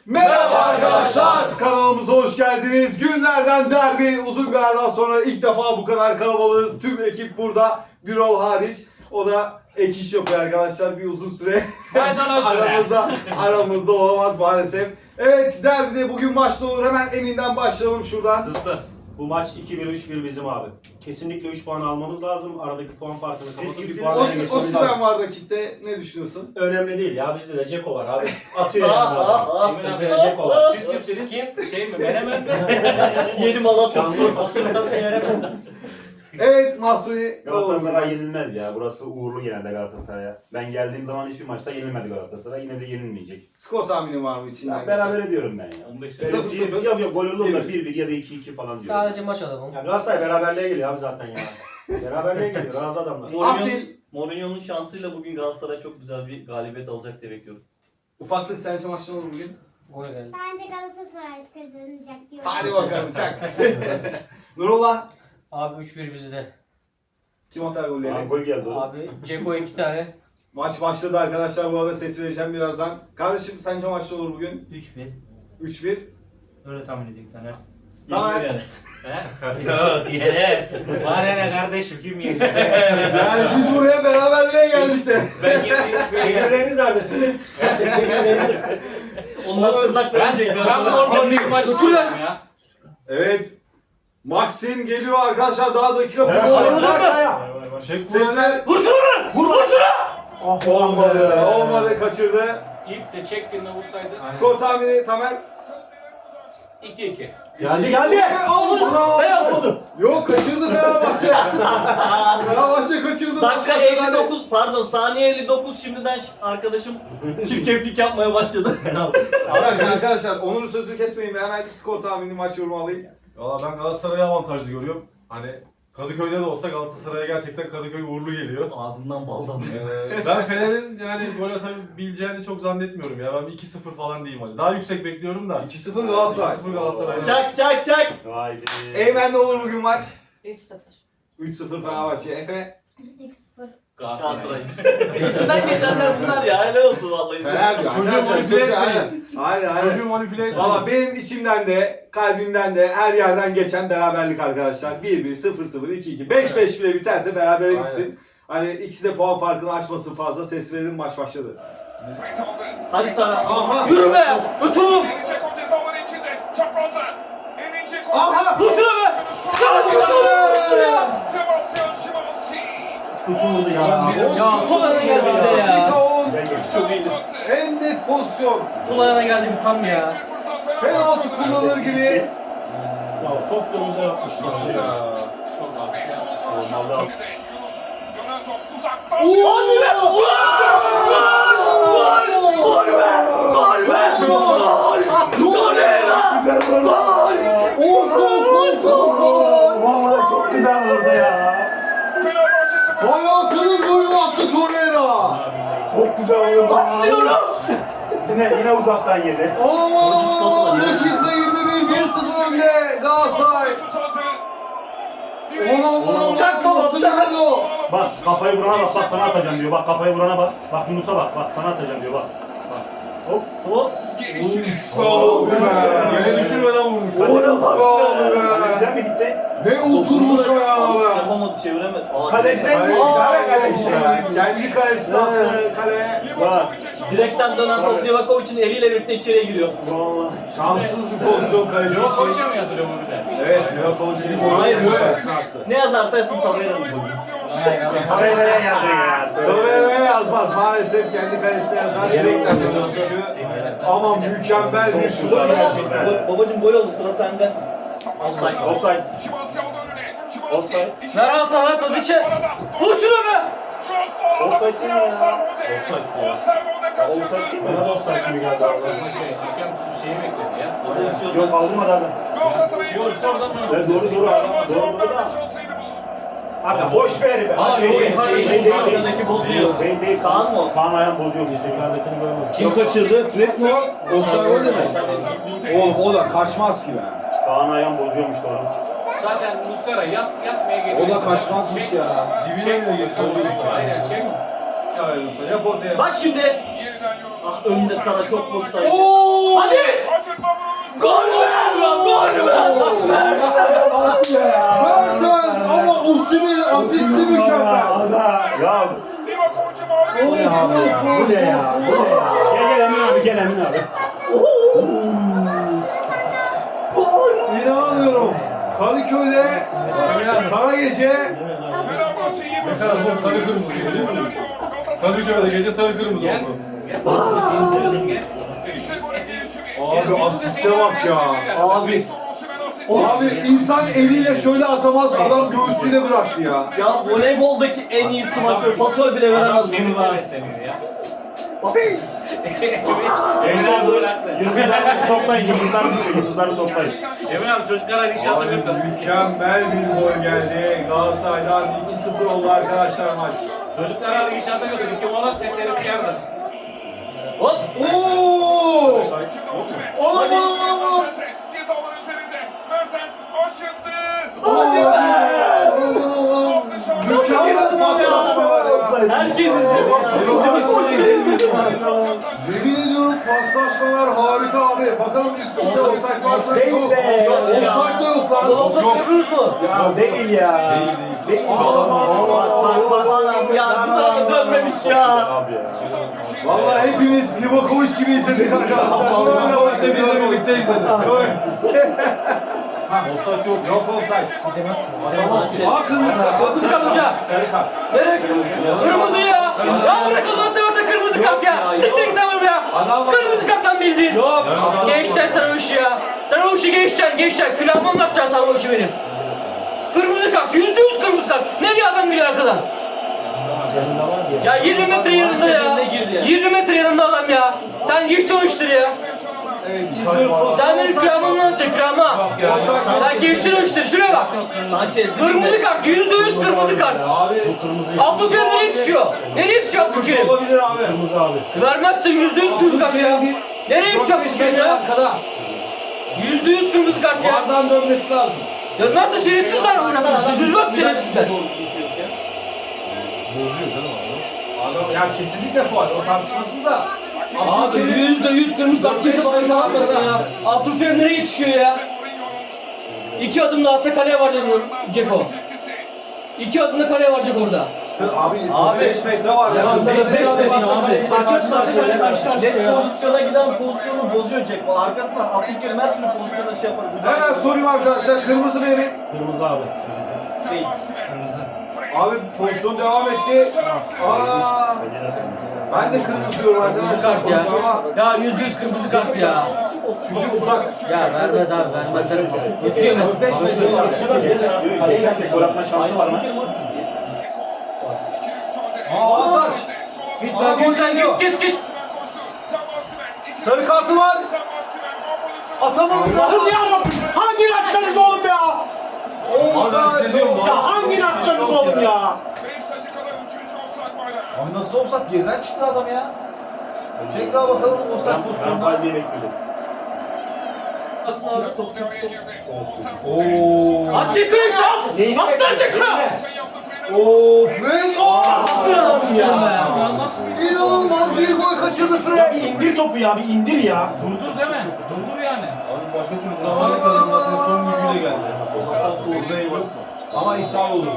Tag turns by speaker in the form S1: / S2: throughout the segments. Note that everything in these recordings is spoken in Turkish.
S1: Merhaba arkadaşlar, kanalımıza hoş geldiniz. Günlerden derbi, uzun bir aradan sonra ilk defa bu kadar kalabalığız. Tüm ekip burada, Birol hariç. O da ek iş yapıyor arkadaşlar, bir uzun süre aramızda olamaz maalesef. Evet, derbide bugün maçta olur. Hemen Emin'den başlayalım şuradan.
S2: Hızlı. Bu maç 2-1, 3-1 bizim abi. Kesinlikle 3 puan almamız lazım. Aradaki puan farkını kapatıp bir puan öne geçmemiz lazım.
S1: Osimhen var rakipte, ne düşünüyorsun?
S2: Önemli değil ya, bizde de Ceko var abi. Atıyor yani adam. Bizde de Ceko var.
S3: Siz kimsiniz? Kim? Şey mi? Menemen mi?
S4: Yeni Malatya
S2: Şanlıurfa.
S1: Evet, Mahsuni.
S2: Galatasaray yenilmez ya. Burası uğurlu genelde Galatasaray'a. Ben geldiğim zaman hiçbir maçta yenilmedi Galatasaray. Yine de yenilmeyecek.
S1: Skor tahmini var mı içinden?
S2: Ya, beraber ediyorum ben ya.
S3: 15
S2: Öyle
S1: 0-0.
S2: Yok gol olur da 1-1 ya da 2-2 falan diyorum.
S4: Sadece maç adamım.
S2: Ya Galatasaray beraberliğe geliyor abi zaten ya. Beraberliğe geliyor. Razı adamlar.
S1: Abdil.
S4: Mourinho'nun şansıyla bugün Galatasaray çok güzel bir galibiyet alacak diye bekliyorum.
S1: Ufaklık sence maçta olur bugün?
S4: Gol geldi.
S5: Bence Galatasaray kazanacak diyorum.
S1: Hadi bakalım çak. Nurullah.
S4: Abi 3-1 bizde.
S1: Kim atar golleri?
S2: Aa, gol geldi oğlum.
S4: Abi Ceko 2 tane.
S1: Maç başladı arkadaşlar, bu arada ses vereceğim birazdan. Kardeşim sence maçta olur bugün?
S6: 3-1.
S1: 3-1.
S6: Öyle tahmin edeyim Fener.
S1: Tamam.
S3: Yok yere. Var ne kardeşim kim yedi?
S1: Yani biz buraya beraberliğe geldik de.
S3: Ben gittim.
S2: Çevreleriniz nerede sizin? Çevreleriniz.
S4: Onlar tırnaklarını
S3: Ben
S4: çekiyor.
S3: normal bir maç istiyorum ya.
S1: Evet. Maxim geliyor arkadaşlar, daha dakika bir
S2: Aşağıya.
S1: Sesler.
S3: Vur şunu! Vur şunu!
S1: Olmadı. Olmadı, kaçırdı.
S3: İlk de çektiğinde vursaydı.
S1: Skor tahmini Tamer.
S3: 2-2.
S2: Geldi.
S1: Oldu. Yok, kaçırdı Fenerbahçe. Fenerbahçe kaçırdı.
S4: Dakika
S1: Maç başladı.
S4: 59 pardon saniye 59 şimdiden arkadaşım çirkeflik yapmaya başladı.
S1: Arkadaşlar Onur'un sözünü kesmeyin ve hemen skor tahmini, maç yorumu alayım.
S7: Valla ben Galatasaray'ı avantajlı görüyorum. Hani Kadıköy'de de olsa Galatasaray'a gerçekten Kadıköy uğurlu geliyor.
S4: Ağzından bal damlıyor.
S7: Ben Fener'in yani gol atabileceğini çok zannetmiyorum ya. Ben bir 2-0 falan diyeyim hadi. Daha yüksek bekliyorum da.
S1: 2-0 Galatasaray.
S7: 2-0 Galatasaray.
S4: Çak çak çak.
S2: Haydi.
S1: Eymen ne olur bugün maç?
S5: 3-0.
S1: 3-0 Fenerbahçe. Efe?
S5: 2-0.
S4: Galatasaray. İçinden geçenler bunlar ya. Helal olsun vallahi.
S1: Fener diyor.
S7: Çocuğu
S1: Arkadaşlar,
S7: manipüle
S1: çocuğu-
S7: etmeyin.
S1: Aynen.
S7: Çocuğu manipüle etmeyin.
S1: Valla benim içimden de, kalbimden de, her yerden geçen beraberlik arkadaşlar. 1-1, 0-0, 2-2, 5-5 bile biterse berabere
S7: Aynen.
S1: gitsin. Hani ikisi de puan farkını aşmasın fazla. Ses verelim, maç başladı.
S4: Hadi sana.
S1: Aha!
S3: Yürü be! Götürün!
S1: Aha!
S3: Vur şunu be!
S2: Tutuldu ya.
S4: Ya sol ayağına geldi bir de ya.
S1: Dakika 10.
S4: Çok iyiydi.
S1: En net pozisyon.
S4: Sol ayağına geldi bir tam ya.
S1: Penaltı kullanır gibi.
S2: Ya çok da güzel atmış. Nasıl ya? Vallahi. Vallahi çok güzel vurdu ya.
S1: Hayatının golünü attı Torreira.
S2: Çok güzel vurdu. Atlıyorum. Yine uzaktan yedi.
S1: Allah! Dakika 21, 1-0 önde Galatasaray.
S4: Çak baba, çak.
S2: Bak kafayı vurana bak sana atacağım diyor. Bak kafayı vurana bak. Bak Yunus'a bak. Bak sana atacağım diyor bak. Bak. Hop.
S4: Hop.
S7: Yere düşürmeden vurmuş.
S2: Güzel mi gitti?
S1: Ne oturmuş o ya be.
S4: Yapamadı çeviremedi. Aa,
S2: Kaleciden
S1: Kaleci. Kendi kalesine attı kale.
S2: Bak.
S4: Direkten dönen top Livakovic'in eliyle birlikte içeriye giriyor.
S2: Vallahi.
S1: Şanssız bir pozisyon kaleci
S3: Yok
S1: için.
S3: koyacağım ya durumu bir de.
S1: Evet, Livakovic'in
S4: Hayır,
S1: golü
S4: yok.
S1: kalesine attı.
S4: Ne yazarsa yazsın Torreira'nın golü.
S2: Oraya nereye yazdın ya?
S1: Torreira'ya yazmaz maalesef, kendi kalesine yazar. Direkten dönüyor çünkü. Ama mükemmel bir şut gerçekten.
S4: Babacım gol oldu sıra sende. Offside.
S2: Offside. Offside.
S3: Ver alta lan Tadiç'e! Vur şunu be!
S2: Offside değil mi ya?
S7: Offside ya.
S2: Offside değil mi? Bana da offside gibi geldi
S3: Ama
S2: vallahi.
S3: hakem şeyi bekledi ya.
S4: Pozisyon.
S2: Yok alınmadı abi.
S3: Şey olursa oradan mı?
S2: Evet, doğru abi. Doğru da. Aga boş ver be.
S3: Aa,
S2: Şey
S3: yok,
S2: değil,
S3: yukarıdaki
S2: değil,
S3: bozuyor.
S2: değil,
S4: Yukarıdaki bozuyor.
S2: değil.
S4: Kaan mı o?
S2: Kaan ayağın bozuyor işte. Yukarıdakini görmedim.
S1: Kim kaçırdı? Fred mi o? Offside gol mi? Oğlum o da kaçmaz ki be.
S2: Kaan ayağın bozuyormuş doğru.
S3: Zaten Muslera yatmaya geliyor.
S1: O da kaçmazmış ya.
S7: Dibine bile girse olur.
S3: Aynen çek.
S1: Ya Musa yap ortaya.
S4: Bak şimdi. Ah önde Sara çok boşta.
S1: Oo!
S4: Hadi!
S2: Bu ne ya? Gel Emin abi, gel Emin abi.
S1: İnanamıyorum. Kadıköy'de Kara Gece
S7: Ne kadar zor sarı kırmızı değil mi? Kadıköy'de gece sarı kırmızı
S3: Gel.
S7: oldu.
S3: Gel.
S1: abi asiste bak ya.
S4: Abi.
S1: Abi insan eliyle şöyle atamaz, adam göğsüyle bıraktı ya.
S4: Ya voleyboldaki en iyi smaçör. Pasör bile veremez bunu
S3: Benim
S4: ben.
S3: beslemiyor ya.
S2: Gençler bu yıldızları toplayın, yıldızları toplayın.
S3: Emin abi çocuklara inşaata
S1: Abi
S3: götür.
S1: mükemmel bir gol geldi. Galatasaray'dan 2-0 oldu arkadaşlar maç.
S3: Çocuklara inşaata götür. 2 mola çekeriz kârdır.
S4: Hop.
S1: Oo! Oğlum. Mükemmel paslaşma var.
S4: Herkes izliyor ya.
S1: Yemin ediyorum paslaşmalar harika abi. Bakalım ilk turda offside varsa
S2: Değil
S1: yok.
S2: be.
S1: Offside de yok lan.
S4: Olsa görürüz mü?
S2: Ya değil ya. Değil.
S4: Bak ya bir tarafa dönmemiş ya.
S1: Vallahi hepimiz Livakovic gibi izledik arkadaşlar. Böyle
S7: İşte biz de birlikte izledik. Offside yok.
S1: Yok offside. Aa kırmızı kart.
S6: Kırmızı kart hocam.
S1: Sarı kart.
S6: Nereye? Kırmızı ya. Ya bırak Allah'ını seversen kırmızı kart ya. Siktir git lan ya. Kırmızı karttan bildin.
S1: Yok.
S6: Geçeceksin sen o işi ya. Sen o işi geçeceksin. Külahımı anlatacaksın sen o işi benim. Kırmızı kart. %100 kırmızı kart. Nereye adam giriyor arkadan? Ya 20 metre yanında ya.
S4: Cebine girdi ya.
S6: 20 metre yanında adam ya. Sen geçti o işleri ya. Sen benim külahımı anlatacaksın külahımı. Sen geçtin o işleri. Şuraya bak.
S4: Sanchez.
S6: Kırmızı kart. %100 kırmızı kart.
S1: Abi
S6: Abdülkerim nereye yetişiyor? Nereye yetişiyor Abdülkerim?
S1: olabilir abi.
S2: Kırmızı abi.
S6: Vermezse %100 kırmızı kart ya. Nereye yetişiyor Abdülkerim ya?
S1: Arkada.
S6: %100 kırmızı kart ya.
S1: Vardan dönmesi lazım.
S6: Dönmezse şerefsizler oynamaz. Düzmez şerefsizler.
S7: Bozuyor canım abi.
S1: Adam ya kesinlikle faul. O tartışmasız da.
S6: Abi %100 kırmızı kart kimse bana atmasın ya. Abdülkerim nereye yetişiyor ya? 2 adım daha atsa kaleye varacak Ceko. 2 adımda kaleye varacak orada.
S1: Abi 5 metre var ya.
S6: Ya 5 dedin abi. Karşı karşıya
S4: Net
S6: ya.
S4: pozisyona giden pozisyonu bozuyor Jack. Arkasından Abdülkerim her türlü pozisyona şey yapar.
S1: Hemen sorayım arkadaşlar. Kırmızı benim.
S2: Kırmızı abi. Kırmızı.
S4: Değil.
S3: Kırmızı.
S1: Abi pozisyon devam etti. Aa, ben de kırmızı diyorum
S6: Kırmızı
S1: arkadaşlar.
S6: kart ya.
S1: Ama
S6: Ya %100 kırmızı kart ya.
S1: çünkü uzak.
S6: Ya vermez abi vermezler bir şey. Geçiyor mu?
S1: 5 metre.
S2: Kaleye girsek gol atma şansı var mı?
S1: Aa Ataş.
S6: Git
S1: Aa,
S6: lan
S1: gol
S6: git lan
S1: geliyor.
S6: git.
S1: Sarı kartı var. Atamadı.
S2: Allah'ım yarabbim! Hangini atacaksınız oğlum ya?
S7: Abi ben hissediyorum
S2: Ya hangini atacaksınız oğlum ya?
S1: Abi nasıl olsak geriden çıktı adam ya. Tekrar bakalım olsak
S2: Ben
S1: pozisyonda.
S2: faal diye bekledim.
S6: Aslında abi.
S1: Oo.
S6: At Ceko'yu lan! Atsana Ceko!
S1: Oo Fred.
S6: Ya.
S1: İnanılmaz bir gol kaçırdı
S2: Ya
S1: Fred.
S2: bir indir topu ya, bir indir ya.
S3: Durdur deme. Durdur yani.
S7: Abi başka türlü vuramayız zaten son gücüyle geldi. Orada ev yok mu?
S1: Ama iptal olurdu.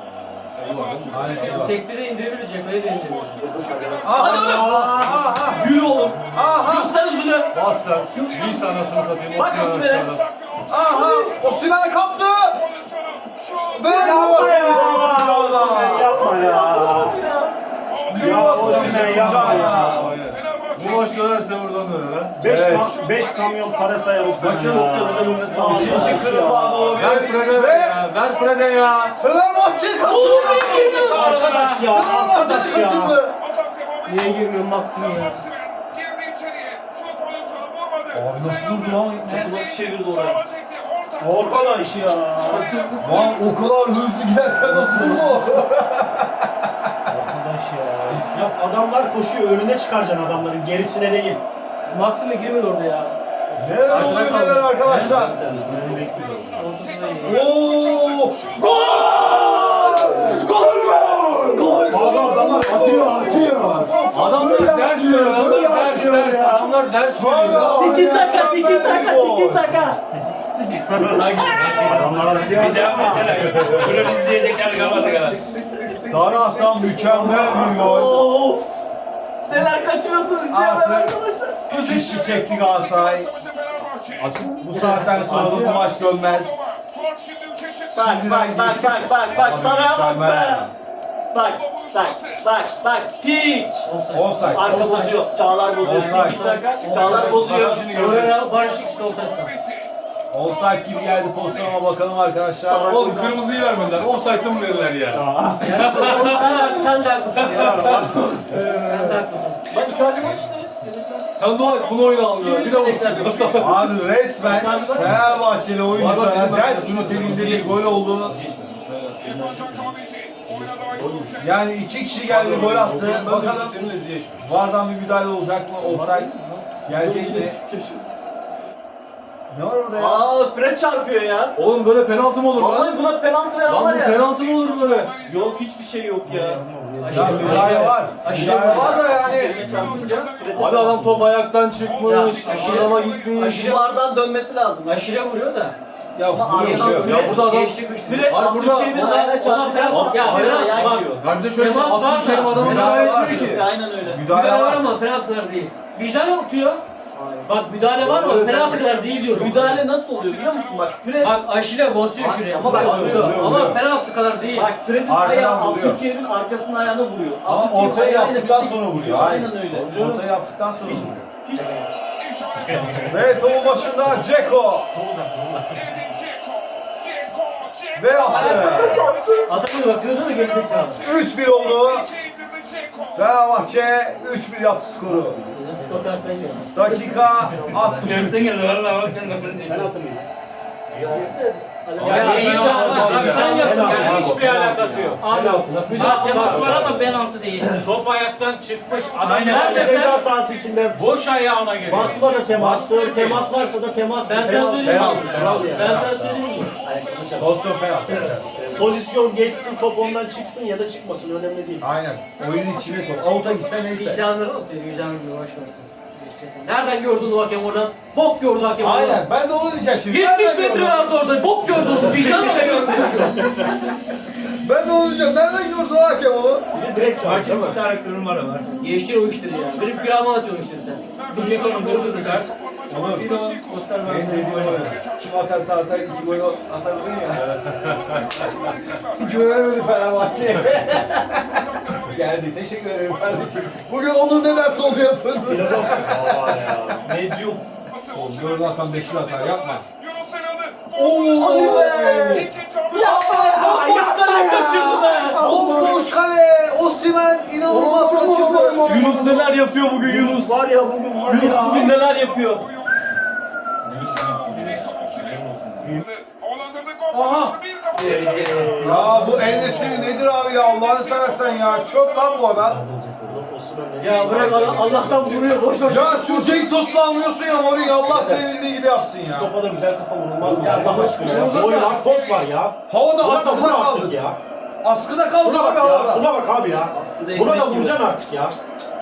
S6: Tekte de indirebiliriz Ceko'yu da indirebiliriz.
S1: Hadi oğlum.
S4: Yürü oğlum.
S1: Aha.
S4: Göster hızını.
S7: Bas lan. Bir anasını satayım.
S4: Bak
S7: Osimhen
S4: Osimhen'e.
S7: aşağıda.
S1: Aha. Osimhen kaptı. Ve
S2: Yapma ya.
S1: Livakovic
S2: Yapma ya. Ya Osimhen yapma ya.
S7: Aynen. Bu maç dönerse buradan döner ha.
S2: 5 kamyon para sayarız.
S1: Maçın
S2: İkinci
S1: ikinci kırılma
S7: Ver Fred'e
S1: olabilir. Ve
S7: ya. Ver Fred'e ya.
S1: Fenerbahçe kaçırdı.
S2: Arkadaş ya.
S1: Fenerbahçe
S2: Arkadaş ya.
S1: kaçırdı.
S6: Niye girmiyor Maksim ya?
S1: Abi nasıl durdu lan?
S4: Nasıl çevirdi orayı?
S2: Arkadaş ya.
S1: Lan o kadar hızlı giderken nasıl durdu?
S2: Arkadaş ya. Ya adamlar koşuyor, önüne çıkaracaksın adamların, gerisine değil.
S6: Maksim'e girmiyor orada ya.
S1: Neler oluyor neler arkadaşlar?
S2: Önünü bekliyorum.
S6: Ortasında iyi.
S1: Oo! Gol! Gol! Gol!
S2: Adamlar atıyor.
S7: Adamlar ders veriyor. Adamlar ders. Adamlar ders veriyor.
S4: Tiki taka, tiki taka, tiki taka.
S2: Adamlar atıyor.
S3: Bunu izleyecekler kalmadı kadar.
S1: Sarah'tan mükemmel bir gol.
S4: Of. Neler kaçırıyorsunuz diye
S1: Artık
S4: arkadaşlar.
S1: fişi çekti Galatasaray. Bu saatten sonra da bu maç dönmez.
S4: Bak Sarı'ya bak be. Bak tik.
S1: Offside.
S4: Arka bozuyor. Çağlar bozuyor.
S1: Offside.
S4: Bir dakika. Çağlar bozuyor.
S6: Oraya Barış ikisi de ortadan.
S1: Offside gibi geldi pozisyona bakalım arkadaşlar.
S7: Oğlum kırmızıyı vermediler. Offside'ı mı verirler ya?
S6: Sen de haklısın ya. Sen de haklısın.
S4: Bak Icardi var işte.
S7: Sen dua et bunu oyuna almıyorlar. Bir de bunu.
S1: Abi resmen Fenerbahçeli oyunculara ders niteliğinde bir gol oldu. Yani 2 kişi geldi gol attı. Bakalım VAR'dan bir müdahale olacak mı? Offside gelecek mi? Ne var orada ya?
S4: Aa Fred çarpıyor ya.
S7: Oğlum böyle penaltı mı olur lan?
S4: Vallahi buna penaltı veren
S7: Lan
S4: var
S7: bu
S4: ya.
S7: penaltı mı olur böyle?
S4: Yok hiçbir şey yok ya.
S1: Ya müdahale var. Müdahale var da yani.
S4: Yerine çarpınca Fred'e
S7: Abi adam top ayaktan çıkmış.
S6: Ya, aşırı-
S7: Adama gitmiş.
S6: aşırı-
S4: Vardan dönmesi lazım.
S6: Aşire vuruyor da.
S1: Ya
S4: Ama
S1: bu bir şey yok.
S7: Ya burada adam...
S6: Geçti güçlü.
S4: Fred
S7: Abi burada-
S4: Abdülkerim'in
S7: ona-
S4: ayağına çarptı.
S6: penaltı- ya penaltı- bak.
S7: Ya bir de şöyle
S6: Temas var
S7: Abdülkerim
S6: da.
S7: adama
S1: Müdahale
S7: müdahale
S1: var.
S7: etmiyor ki.
S4: Aynen öyle.
S1: Müdahale
S6: Müdahale var
S1: var.
S6: ama penaltılar değil. Vicdan atıyor. Bak müdahale var ama penaltılar değil diyorum.
S4: Müdahale nasıl oluyor biliyor musun? Bak Fred
S6: Bak aşire basıyor şuraya.
S4: Ama bak,
S6: basıyor.
S1: vuruyor,
S6: Ama
S1: vuruyor.
S6: penaltı kadar değil.
S4: Bak Fred'in
S1: Arkadan
S4: ayağı
S1: vuruyor.
S4: Abdülkerim'in arkasının ayağına vuruyor.
S1: Ama
S4: Abdülkerim
S1: ortaya
S4: ayağıyla
S1: yaptıktan
S4: birlikte-
S1: sonra vuruyor.
S4: Aynen öyle.
S1: Ortaya yaptıktan sonra vuruyor. Ve topun başında Dzeko. Ve attı.
S6: Adamı bak gördün mü gerizekalı?
S1: 3-1 oldu. Fenerbahçe 3-1 yaptı skoru.
S6: Bizim skor tersten geliyor.
S1: Dakika 63.
S3: geldi valla bak ben
S2: Penaltı mı?
S6: Ya
S3: Ya
S6: değil
S3: değil
S6: ya.
S3: abi sen yaptın
S2: Penaltı.
S3: yani hiçbir alakası yok.
S2: Penaltı nasıl?
S3: Ha temas var ama penaltı değil. Top ayaktan çıkmış. Adam
S2: Ceza
S3: neredeyse
S2: sahası içinde
S3: boş ayağına geliyor.
S2: basma da temastır, temas varsa da temas.
S6: Ben sana söyleyeyim mi?
S2: Penaltı, kural
S6: Ben
S2: yani.
S6: sana söyleyeyim mi?
S1: Pozisyon penaltı.
S2: Pozisyon geçsin, top ondan çıksın ya da çıkmasın önemli değil.
S1: Aynen. Oyunun içine top. Avuta gitse neyse.
S6: Vicdanları atıyor. Vicdanını boş versin. Nereden gördün o hakem oradan? Bok gördü hakem oradan.
S1: Aynen. Ben de onu diyeceğim şimdi.
S6: 70
S1: Nereden
S6: metre
S1: gördün?
S6: vardı orada. Bok gördü onu. Vicdan atıyor çocuğu.
S1: Ben de onu diyeceğim. Nereden gördü o hakem onu?
S2: Bir de direkt çarptı değil mi?
S3: Bir tane kırmızı var.
S6: Geçtir o işleri ya. Benim kiramı atıyor o işleri sen.
S3: Bir Ceko'nun kırmızı kart.
S1: Olur.
S3: Bir de o poster var.
S1: Senin dediğin oyun. Kim atarsa atar 2 gol atardın ya. Güvenemedi Fenerbahçe'ye. Geldi. Teşekkür ederim kardeşim. Bugün onun ne derse onu yapın.
S2: Filozof. Aa ya. Medyum.
S1: Oğlum gördün atan 5'li atar yapma.
S4: Hadi be! Yapma ya! Boş kale kaçırdı be!
S1: Bomboş kale. Osimhen inanılmaz kaçırdı.
S4: Yunus neler yapıyor bugün
S2: Yunus var ya bugün var
S4: Yunus
S2: ya.
S4: bugün neler yapıyor?
S1: Ya bu endüstri nedir abi ya Allah'ını seversen ya. Çöp lan bu adam.
S6: Ya bırak Allah'tan vuruyor. Boş ver.
S1: Ya şu Cenk Tosun'u anlıyorsun ya Mourinho Allah sevildiği gibi yapsın ya.
S2: Topa da güzel kafa vurulmaz mı?
S6: Ya
S2: Allah aşkına ya.
S6: vurulur
S2: Boy
S6: da-
S2: var, pos var ya.
S1: Havada
S2: Buna da
S1: askıda
S2: vur artık
S1: kaldı.
S2: ya.
S1: Askıda kaldı
S2: Şuna
S1: abi
S2: bak ya.
S1: havada.
S2: Şuna bak abi ya.
S4: Askıda
S2: Buna da
S4: ekmek
S2: vuracaksın artık ya.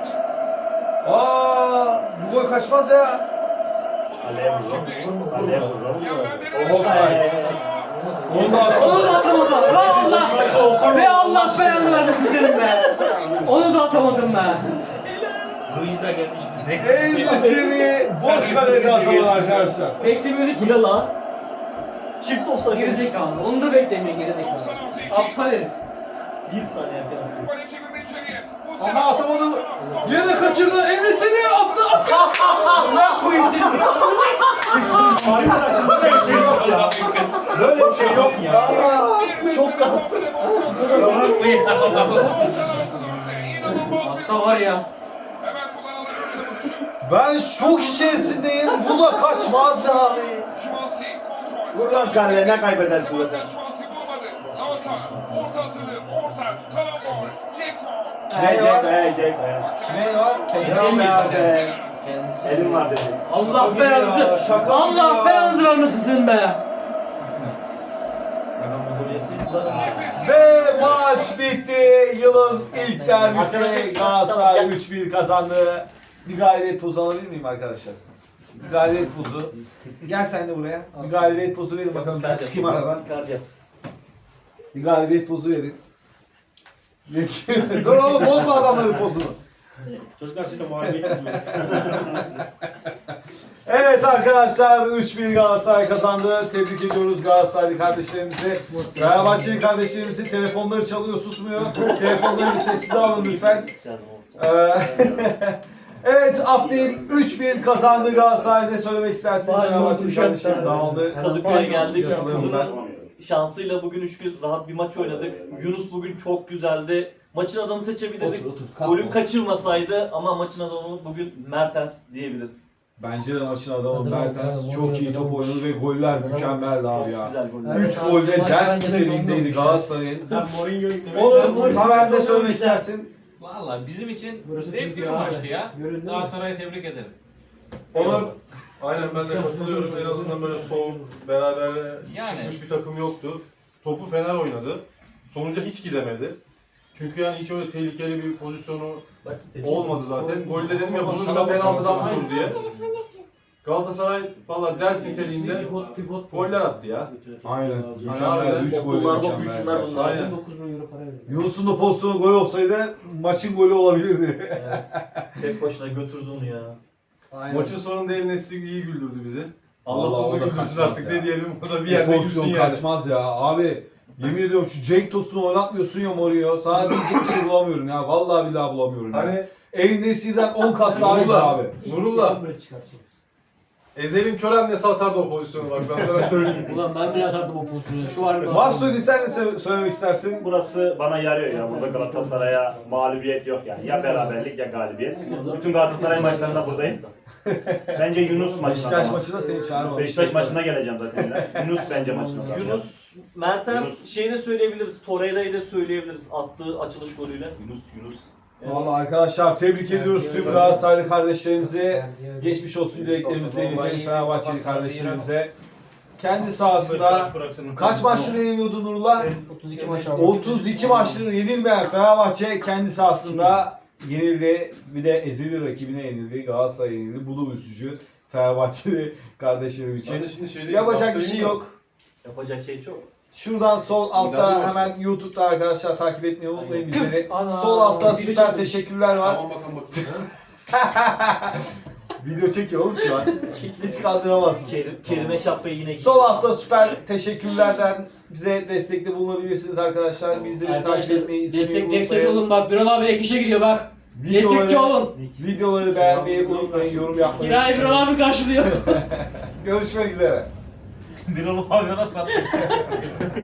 S1: Bu gol kaçmaz ya.
S2: Kaleye vururum. Kaleye vururum.
S1: Offside. Onu da at.
S6: Onu da atamadım. Be Allah belanı vermesin senin be. Onu da atamadım be.
S3: Luisa gelmiş bize.
S1: Endüstri boş kalede atamadı arkadaşlar.
S6: Beklemiyorduk
S4: Bu
S6: ki.
S4: ne lan? Çift offside.
S6: Gerizekalı. Onu da beklemiyor gerizekalı. Aptal herif.
S4: Bir saniye erken.
S1: Ama atamadı. Yine kaçırdı. Endüstri attı.
S6: Ne koyayım seni?
S2: Arkadaşım böyle bir şey yok ya. Böyle bir şey yok ya.
S4: Çok rahat.
S6: Hasta var ya.
S1: Ben şok içerisindeyim. Bu da kaçmaz be abi.
S2: Vur lan kaleye ne kaybedersin zaten. Ceko.
S1: Kime var?
S2: Elim var be.
S6: Kendisi.
S2: Elim var dedi.
S6: Allah belanızı.
S1: şaka
S6: Allah
S1: ya.
S6: belanızı vermesin senin be.
S1: Ve maç bitti. Yılın ilk derbisi Galatasaray 3-1 kazandı. Bir galibiyet pozu alabilir miyim arkadaşlar? Bir galibiyet pozu. Gel sen de buraya. Bir galibiyet pozu verin bakalım. Ben çıkayım aradan. Bir galibiyet pozu verin. Dur oğlum bozma adamların pozunu.
S2: Çocuklar siz de muhalefet yapıyorsunuz.
S1: Evet arkadaşlar 3-1 Galatasaray kazandı. Tebrik ediyoruz Galatasaraylı kardeşlerimizi. Fenerbahçeli kardeşlerimizi telefonları çalıyor susmuyor. Telefonları bir sessize alın lütfen. Evet Abdil 3-1 kazandı Galatasaray. Ne söylemek istersin? Fenerbahçeli kardeşlerim dağıldı.
S4: Kadıköy'e geldik.
S1: Yasalarım ben.
S4: Şansıyla bugün 3-1 rahat bir maç oynadık. Yunus bugün çok güzeldi. Maçın adamı seçebilirdik. Golü kaçırmasaydı ama maçın adamı bugün Mertens diyebiliriz.
S1: Bence de maçın adamı Mertens çok iyi top oynadı ve goller mükemmeldi abi ya.
S4: Güzel goller.
S1: 3 golde ders niteliğindeydi Galatasaray'ın.
S2: Sen Mourinho'yu
S1: Onu Tamer ne söylemek istersin?
S3: Valla bizim için zevkli bir maçtı ya. Galatasaray'ı tebrik ederim.
S1: Onur
S7: Aynen ben de katılıyorum. En azından böyle soğuk, beraber
S3: Yani.
S7: çıkmış bir takım yoktu. Topu Fener oynadı. Sonuca hiç gidemedi. Çünkü yani hiç öyle tehlikeli bir pozisyonu olmadı zaten. Golde dedim ya bulursa penaltıdan bulur diye. Galatasaray valla ders niteliğinde goller attı ya.
S1: aynen
S7: Aynen.
S1: mükemmeldi 3 golde
S4: Okullarda
S1: mükemmeldi.
S4: büyüsünler bunlar.
S7: Aynen.
S1: Yunus'un da pozisyonu gol olsaydı maçın golü olabilirdi.
S4: Evet. Tek başına götürdü onu ya.
S7: Maçın sonunda El Nesri iyi güldürdü bizi. Allah
S1: Vallahi o
S7: onu
S1: da
S7: güldürsün
S1: kaçmaz
S7: artık
S1: ya.
S7: ne diyelim. O da bir
S1: Bu
S7: yerde gülsün
S1: pozisyon
S7: yani.
S1: kaçmaz ya. Abi yemin ediyorum şu Cenk Tosun'u oynatmıyorsun ya Mourinho. Sana diyecek bir şey bulamıyorum ya. Vallahi billahi bulamıyorum ya.
S7: Hani
S1: El Nesri'den 10 kat daha iyi abi.
S7: Nurullah. Ezel'in kör annesi atardı o pozisyonu bak ben sana söyleyeyim.
S8: Ulan ben bile atardım o pozisyonu. Şu an
S1: Mahsuni sen ne söylemek istersin?
S2: Burası bana yarıyor ya. Burada Galatasaray'a mağlubiyet yok yani. Ya beraberlik ya galibiyet. Bütün Galatasaray maçlarında buradayım. Bence Yunus maçına.
S1: Beşiktaş maçında seni çağırmam.
S2: Beşiktaş maçına geleceğim zaten yine. Yunus bence maçına.
S4: Yunus, Mertens şeyi de söyleyebiliriz. Torreira'yı da söyleyebiliriz. Attığı açılış golüyle.
S2: Yunus.
S1: Vallahi arkadaşlar tebrik ediyoruz tüm Galatasaraylı kardeşlerimize. Geçmiş olsun dileklerimizi iletelim Fenerbahçeli kardeşlerimize. Kendi sahasında kaç maçları yeniliyordu Nurullah?
S8: 32 maç aldı.
S1: 32 maçları yenilmeyen Fenerbahçe kendi sahasında yenildi. Bir de ezeli rakibine yenildi. Galatasaray yenildi. Bu da üzücü Fenerbahçeli kardeşlerim
S7: Ben
S1: için.
S7: de şimdi şeyde
S1: Yapacak bir şey yok.
S4: Yapacak şey çok.
S1: Şuradan sol altta hemen YouTube'da arkadaşlar takip etmeyi unutmayın bizleri. Sol altta süper teşekkürler var.
S7: Tamam bakalım.
S1: Video çekiyor oğlum şu an. Hiç kaldıramazsın.
S4: Kerime Şapka'yı yine
S1: Sol altta süper teşekkürlerden bize destekte bulunabilirsiniz arkadaşlar. Bizleri takip etmeyi, izlemeyi
S8: Destek
S1: unutmayın.
S8: olun bak. Birol abi ek işe gidiyor bak. Destekçi olun.
S1: Videoları beğenmeyi unutmayın, yorum yapmayı.
S8: Kirayı Birol abi karşılıyor.
S1: Görüşmek üzere.
S3: Bir olup pavyona sattı.